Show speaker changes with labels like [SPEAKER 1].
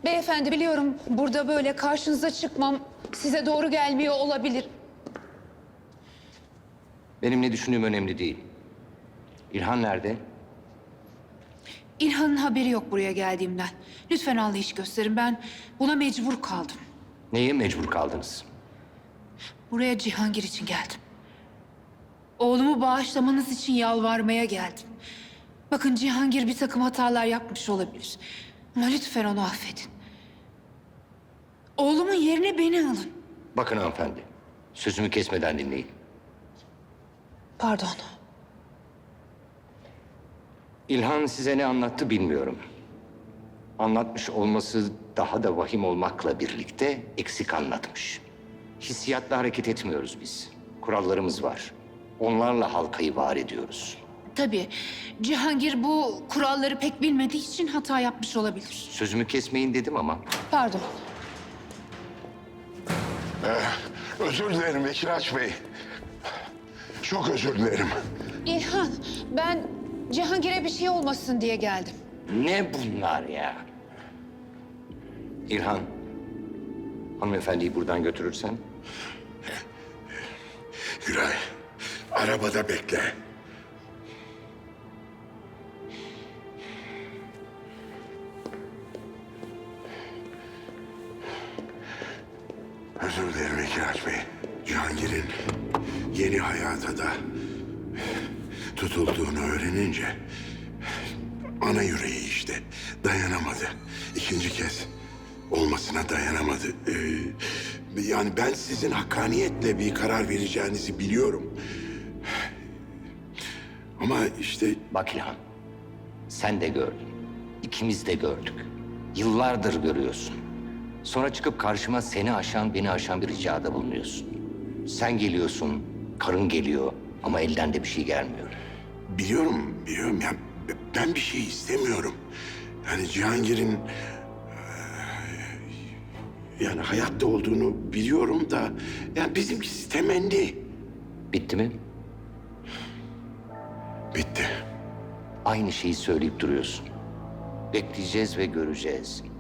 [SPEAKER 1] Beyefendi biliyorum burada böyle karşınıza çıkmam size doğru gelmiyor olabilir.
[SPEAKER 2] Benim ne düşündüğüm önemli değil. İlhan nerede?
[SPEAKER 1] İlhan'ın haberi yok buraya geldiğimden. Lütfen anlayış gösterin. Ben buna mecbur kaldım.
[SPEAKER 2] Neye mecbur kaldınız?
[SPEAKER 1] Buraya Cihangir için geldim. Oğlumu bağışlamanız için yalvarmaya geldim. Bakın Cihangir bir takım hatalar yapmış olabilir. Ama lütfen onu affedin. Oğlumun yerine beni alın.
[SPEAKER 2] Bakın hanımefendi, sözümü kesmeden dinleyin.
[SPEAKER 1] Pardon.
[SPEAKER 2] İlhan size ne anlattı bilmiyorum. Anlatmış olması daha da vahim olmakla birlikte eksik anlatmış. Hissiyatla hareket etmiyoruz biz. Kurallarımız var. Onlarla halkayı var ediyoruz.
[SPEAKER 1] Tabii Cihangir bu kuralları pek bilmediği için hata yapmış olabilir.
[SPEAKER 2] Sözümü kesmeyin dedim ama
[SPEAKER 1] Pardon.
[SPEAKER 3] Özür dilerim Bekiraç Bey. Çok özür dilerim.
[SPEAKER 1] İlhan, ben Cihangir'e bir şey olmasın diye geldim.
[SPEAKER 2] ne bunlar ya? İlhan, hanımefendiyi buradan götürürsen
[SPEAKER 3] Güray, arabada bekle. Özür dilerim Bekiraç Bey. Cihangir'in yeni hayata da tutulduğunu öğrenince ana yüreği işte dayanamadı. İkinci kez olmasına dayanamadı. Yani ben sizin hakkaniyetle bir karar vereceğinizi biliyorum. Ama işte
[SPEAKER 2] bak İlhan, sen de gördün. İkimiz de gördük. Yıllardır görüyorsun. Sonra çıkıp karşıma seni aşan, beni aşan bir ricada bulunuyorsun. Sen geliyorsun, karın geliyor ama elden de bir şey gelmiyor.
[SPEAKER 3] biliyorum ya ben bir şey istemiyorum. Yani Cihangir'in yani hayatta olduğunu biliyorum da yani bizimkisi temenni.
[SPEAKER 2] Bitti mi?
[SPEAKER 3] Bitti.
[SPEAKER 2] Aynı şeyi söyleyip duruyorsun. Bekleyeceğiz ve göreceğiz.